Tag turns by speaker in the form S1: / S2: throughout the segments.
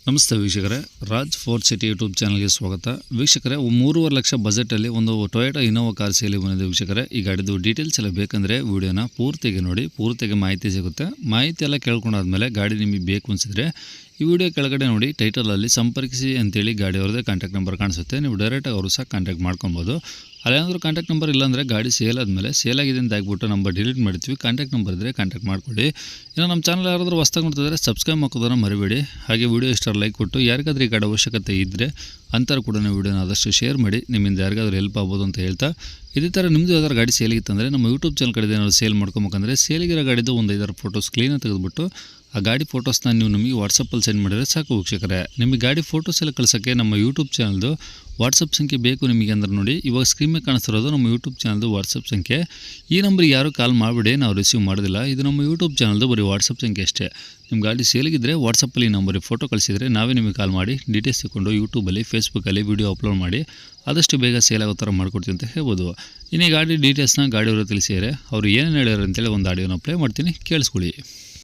S1: ನಮಸ್ತೆ ವೀಕ್ಷಕರೇ, Raj fort city YouTube ಚಾನಲ್ಗೆ ಸ್ವಾಗತ. ವೀಕ್ಷಕರೇ, 3.5 ಲಕ್ಷ ಬಜೆಟಲ್ಲಿ ಒಂದು ಟೊಯೋಟಾ ಇನೋವಾ ಕಾರ್ ಸೇಲಿ ಬಂದಿದೆ. ವೀಕ್ಷಕರೇ, ಈ ಗಾಡಿದು ಡೀಟೇಲ್ಸ್ ಎಲ್ಲ ಬೇಕಂದರೆ ವಿಡಿಯೋನ ಪೂರ್ತಿಗೆ ನೋಡಿ, ಪೂರ್ತಿಗೆ ಮಾಹಿತಿ ಸಿಗುತ್ತೆ. ಮಾಹಿತಿ ಎಲ್ಲ ಕೇಳ್ಕೊಂಡಾದ್ಮೇಲೆ ಗಾಡಿ ನಿಮಗೆ ಬೇಕು ಅನಿಸಿದ್ರೆ ಈ ವಿಡಿಯೋ ಕೆಳಗಡೆ ನೋಡಿ ಟೈಟಲಲ್ಲಿ ಸಂಪರ್ಕಿಸಿ ಅಂತೇಳಿ ಗಾಡಿಯವ್ರದ್ದೇ ಕಾಂಟ್ಯಾಕ್ಟ್ ನಂಬರ್ ಕಾಣಿಸುತ್ತೆ. ನೀವು ಡೈರೆಕ್ಟಾಗಿ ಅವರು ಸಹ ಕಾಂಟ್ಯಾಕ್ಟ್ ಮಾಡ್ಕೊಬೋದು. ಅಲ್ಲೇನಾದರೂ ಕಾಂಟ್ಯಾಕ್ಟ್ ನಂಬರ್ ಇಲ್ಲಾಂದರೆ ಗಾಡಿ ಸೇಲ್ ಆದಮೇಲೆ ಸೇಲ್ ಆಗಿದೆ ಅಂತ ಆಗ್ಬಿಟ್ಟು ನಂಬರ್ ಡಿಲೀಟ್ ಮಾಡ್ತೀವಿ. ಕಾಂಟ್ಯಾಕ್ಟ್ ನಂಬರ್ ಇದ್ದರೆ ಕಾಂಟ್ಯಾಕ್ಟ್ ಮಾಡ್ಕೊಳ್ಳಿ. ಇನ್ನು ನಮ್ಮ ಚಾನಲ್ ಯಾರಾದರೂ ಹೊಸ್ದಾಗಿ ನೋಡ್ತಿದ್ರೆ ಸಬ್ಸ್ಕ್ರೈಬ್ ಮಾಡೋದನ್ನು ಮರಿಬೇಡಿ. ಹಾಗೆ ವಿಡಿಯೋ ಇಷ್ಟ ಲೈಕ್ ಕೊಟ್ಟು ಯಾರಿಗಾದ್ರೂ ಈ ಗಾಡಿ ಅವಶ್ಯಕತೆ ಇದ್ದರೆ ಅಂಥವ್ರು ಕೂಡ ವಿಡಿಯೋನ ಆದಷ್ಟು ಶೇರ್ ಮಾಡಿ, ನಿಮ್ಮಿಂದ ಯಾರಿಗಾದ್ರೂ ಹೆಲ್ಪ್ ಆಗ್ಬೋದು ಅಂತ ಹೇಳ್ತಾ, ಇದೇ ಥರ ನಿಮ್ಮದು ಯಾವ್ದಾದ್ರು ಗಾಡಿ ಸೇಲಿಗಿತ್ತಂದರೆ ನಮ್ಮ ಯೂಟ್ಯೂಬ್ ಚಾನಲ್ ಕಡೆ ಏನಾದ್ರು ಸೇಲ್ ಮಾಡ್ಕೊಬೇಕಂದ್ರೆ ಸೇಲಿಗಿರೋ ಗಾಡಿದು ಒಂದು 5 ಫೋಟೋಸ್ ಕ್ಲೀನಾಗಿ ತೆಗೆದುಬಿಟ್ಟು ಆ ಗಾಡಿ ಫೋಟೋಸ್ನ ನೀವು ನಮಗೆ ವಾಟ್ಸಪ್ಪಲ್ಲಿ ಸೆಂಡ್ ಮಾಡಿದರೆ ಸಾಕು ವೀಕ್ಷಕರೇ. ನಿಮಗೆ ಗಾಡಿ ಫೋಟೋಸ್ ಎಲ್ಲ ಕಳ್ಸೋಕ್ಕೆ ನಮ್ಮ ಯೂಟ್ಯೂಬ್ ಚಾನಲ್ದು ವಾಟ್ಸಪ್ ಸಂಖ್ಯೆ ಬೇಕು ನಿಮಗೆ ಅಂದ್ರೆ ನೋಡಿ, ಇವಾಗ ಸ್ಕ್ರೀನ್ ಮೇಲೆ ಕಾಣಿಸ್ತಿರೋದು ನಮ್ಮ ಯೂಟ್ಯೂಬ್ ಚಾನಲ್ದು ವಾಟ್ಸಪ್ ಸಂಖ್ಯೆ. ಈ ನಂಬರ್ಗೆ ಯಾರು ಕಾಲ್ ಮಾಡಿಬಿಡಿ, ನಾವು ರಿಸೀವ್ ಮಾಡೋದಿಲ್ಲ. ಇದು ನಮ್ಮ ಯೂಟ್ಯೂಬ್ ಚಾನಲ್ದು ಬರೀ ವಾಟ್ಸಪ್ ಸಂಖ್ಯೆ ಅಷ್ಟೇ. ನಿಮ್ಮ ಗಾಡಿ ಸೇಲಿಗಿದ್ದರೆ ವಾಟ್ಸಪ್ಪಲ್ಲಿ ಈ ನಂಬರಿಗೆ ಫೋಟೋ ಕಳಿಸಿದರೆ ನಾವೇ ನಿಮಗೆ ಕಾಲ್ ಮಾಡಿ ಡೀಟೇಲ್ಸ್ ತಗೊಂಡು ಯೂಟ್ಯೂಬಲ್ಲಿ ಫೇಸ್ಬುಕ್ಕಲ್ಲಿ ವೀಡಿಯೋ ಅಪ್ಲೋಡ್ ಮಾಡಿ ಆದಷ್ಟು ಬೇಗ ಸೇಲ್ ಆಗೋ ಥರ ಮಾಡ್ಕೊಡ್ತೀವಿ ಅಂತ ಹೇಳ್ಬೋದು. ಇನ್ನು ಈ ಗಾಡಿ ಡೀಟೇಲ್ಸ್ನ ಗಾಡಿಯವರು ತಿಳಿಸಿದರೆ ಅವರು ಏನೇನು ಹೇಳ್ಯಾರ ಅಂತೇಳಿ ಒಂದು ಆಡಿಯೋನ ಪ್ಲೇ ಮಾಡ್ತೀನಿ, ಕೇಳಿಸ್ಕೊಳ್ಳಿ.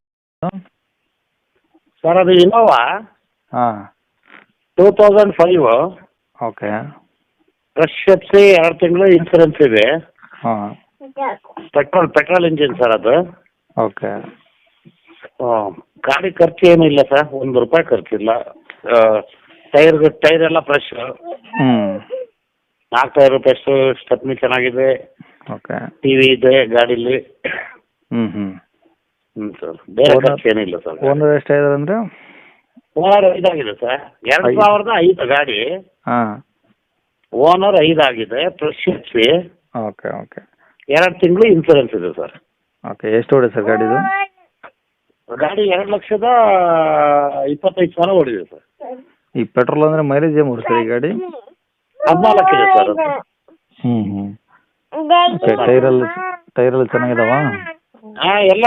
S2: ಸರ್, ಅದು ಇನೋವಾ
S3: ಹಾಂ
S2: 2005
S3: ಓಕೆ
S2: ಫ್ರೆಶ್ ಎಫ್ಸಿ 2 ತಿಂಗಳು ಇನ್ಸೂರೆನ್ಸ್ ಇದೆ.
S3: ಹಾಂ
S2: ಪೆಟ್ರೋಲ್ ಇಂಜಿನ್ ಸರ್ ಅದು.
S3: ಓಕೆ
S2: ಗಾಡಿ ಖರ್ಚು ಏನಿಲ್ಲ ಸರ್, ₹1 ಖರ್ಚಿಲ್ಲ. ಟೈರ್ ಎಲ್ಲ ಫ್ರೆಶ್,
S3: ಹ್ಞೂ
S2: 4 ಟೈರ್ ಫ್ರೆಶ್, ಸ್ಟೆಪ್ನಿ ಚೆನ್ನಾಗಿದೆ,
S3: ಓಕೆ
S2: ಟಿವಿ ಇದೆ ಗಾಡೀಲಿ.
S3: ಹ್ಞೂ
S2: ಸರ್, ಬೇರೆ ಖರ್ಚು ಏನಿಲ್ಲ ಸರ್.
S3: ಓನರ್ ಎಷ್ಟಾಗಿದೆ ಅಂದರೆ
S2: ಓನರ್ 5 ಆಗಿದೆ ಸರ್. 2005 ಗಾಡಿ.
S3: ಹಾಂ
S2: ಓನರ್ 5 ಆಗಿದೆ. ಫ್ರೆಶ್ ಎಫ್ಸಿ,
S3: ಓಕೆ ಓಕೆ
S2: 2 ತಿಂಗಳು ಇನ್ಸೂರೆನ್ಸ್ ಇದೆ ಸರ್.
S3: ಓಕೆ ಎಷ್ಟು ಓಡಿದೆ ಸರ್ ಗಾಡಿದು?
S2: ಗಾಡಿ 2,25,000 ಓಡಿದೆ ಸರ್.
S3: ಈ ಪೆಟ್ರೋಲ್ ಅಂದರೆ ಮೈಲೇಜ್ ಏನು ಸರ್ ಈ ಗಾಡಿ?
S2: 14 ಇದೆ ಸರ್ ಅದು.
S3: ಹ್ಞೂ ಓಕೆ ಟೈರೆಲ್ಲ ಚೆನ್ನಾಗಿದಾವ?
S2: ಹಾಂ, ಎಲ್ಲ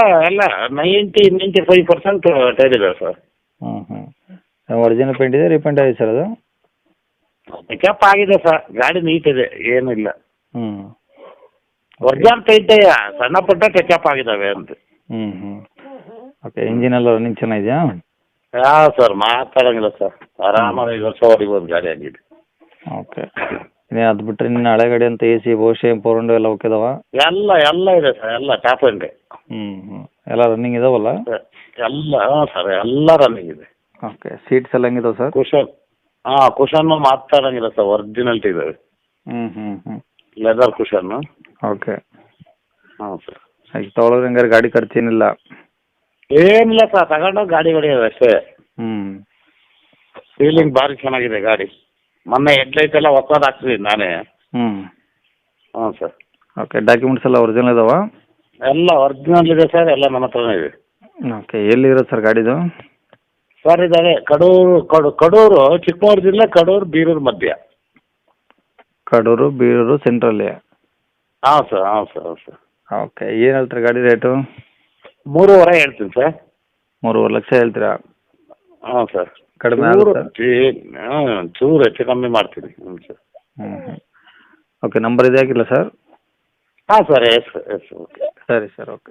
S2: 95% ಟೈರ್ ಇದೆ ಸರ್.
S3: ಒರಿಜಿನಲ್ ಪೇಂಟ್ ಇದೆ, ರೀಪೇಂಟ್ ಆಗಿದೆ ಸರ್ ಅದು?
S2: ಪಿಕಪ್ ಆಗಿದೆ ಸರ್, ಗಾಡಿ ನೀಟ್ ಇದೆ, ಏನಿಲ್ಲ.
S3: ಹ್ಞೂ
S2: ಒರಿಜಿನಲ್ ಪೇಂಟ್ ಸಣ್ಣ ಪುಟ್ಟ ಟಚಪ್ ಆಗಿದ್ದಾವೆ ಅಂತ.
S3: ಹ್ಞೂ ಓಕೆ ಇಂಜಿನ್ ಎಲ್ಲ ರನ್ನಿಂಗ್ ಚೆನ್ನಾಗಿದೆಯಾ?
S2: ಯಾವ ಸರ್ ಮಾತಾಡಂಗಿಲ್ಲ ಸರ್, ಆರಾಮಾಗಿ 5 ವರ್ಷ ಹೊಡಿಬೋದು ಗಾಡಿ ಆಗಿದೆ.
S3: ಓಕೆ ಇನ್ನೇ ಅದು ಬಿಟ್ಟರೆ ನಿನ್ನ ಹಳೆ ಗಾಡಿ ಅಂತ AC ಬಹುಶಃ ಫೋರ್ ವಿಂಡೋ ಎಲ್ಲ ಓಕೆ ಇದಾವ?
S2: ಎಲ್ಲ ಇದೆ ಸರ್, ಎಲ್ಲ ಟಾಪ್ ಎಂಡ್.
S3: ಎಲ್ಲ ರನ್ನಿಂಗ್ ಇದಾವಲ್ಲ?
S2: ಎಲ್ಲ ಸರ್, ಎಲ್ಲ ರನ್ನಿಂಗ್ ಇದೆ.
S3: ಓಕೆ ಸೀಟ್ಸ್ ಎಲ್ಲ ಹೆಂಗಿದಾವೆ ಸರ್?
S2: ಕುಷನ್ನು ಮಾತಾಡಂಗಿಲ್ಲ ಸರ್, ಒರಿಜಿನಲ್ಟಿ ಇದಾವೆ. Leather cushion.
S3: ಓಕೆ
S2: ಹಾಂ ಸರ್.
S3: ಈಗ ತೊಗೊಳೋದು ಹಂಗಾರೆ ಗಾಡಿ ಖರ್ಚೇನಿಲ್ಲ?
S2: ಏನಿಲ್ಲ ಸರ್, ತಗೊಂಡು ಗಾಡಿ ಹೊಡಿಯೋದು ಅಷ್ಟೇ. ಫೀಲಿಂಗ್ ಭಾರಿ ಚೆನ್ನಾಗಿದೆ ಗಾಡಿ. ಮೊನ್ನೆ ಹೆಡ್ಲೈಟ್ ಎಲ್ಲ ಹೊಸದು ಹಾಕ್ಸಿದ್ದೀನಿ ನಾನೇ. ಹ್ಞೂ ಸರ್.
S3: ಓಕೆ ಡಾಕ್ಯುಮೆಂಟ್ಸ್ ಎಲ್ಲ ಒರಿಜಿನಲ್ ಇದಾವ?
S2: ಎಲ್ಲ ಒರಿಜಿನಲ್ ಇದೆ ಸರ್, ಎಲ್ಲ ನಮ್ಮ ಹತ್ರನೇ ಇದೆ.
S3: ಓಕೆ ಎಲ್ಲಿರೋದು ಸರ್ ಗಾಡಿದು?
S2: ಸರ್ ಇದಾವೆ ಕಡೂರು ಚಿಕ್ಕಮಗಳೂರು ಜಿಲ್ಲೆ, ಕಡೂರು ಬೀರೂರು ಮಧ್ಯ.
S3: ಕಡೂರು ಬೀರೂರು ಸೆಂಟ್ರಲ್ಲಿ?
S2: ಹಾಂ ಸರ್.
S3: ಓಕೆ ಏನು ಹೇಳ್ತೀರಾ ಗಾಡಿ ರೇಟು?
S2: 3.5 ಹೇಳ್ತೀನಿ ಸರ್.
S3: 3.5 ಲಕ್ಷ ಹೇಳ್ತೀರಾ?
S2: ಹಾಂ ಸರ್.
S3: ಕಡಿಮೆ
S2: ಚೂರು ಹೆಚ್ಚು ಕಮ್ಮಿ ಮಾಡ್ತೀನಿ. ಹ್ಞೂ ಸರ್.
S3: ಓಕೆ ನಂಬರ್ ಇದೆ ಹಾಕಿಲ್ಲ ಸರ್?
S2: ಹಾಂ ಸರ್, ಎಸ್ ಓಕೆ.
S3: ಸರಿ ಸರ್, ಓಕೆ.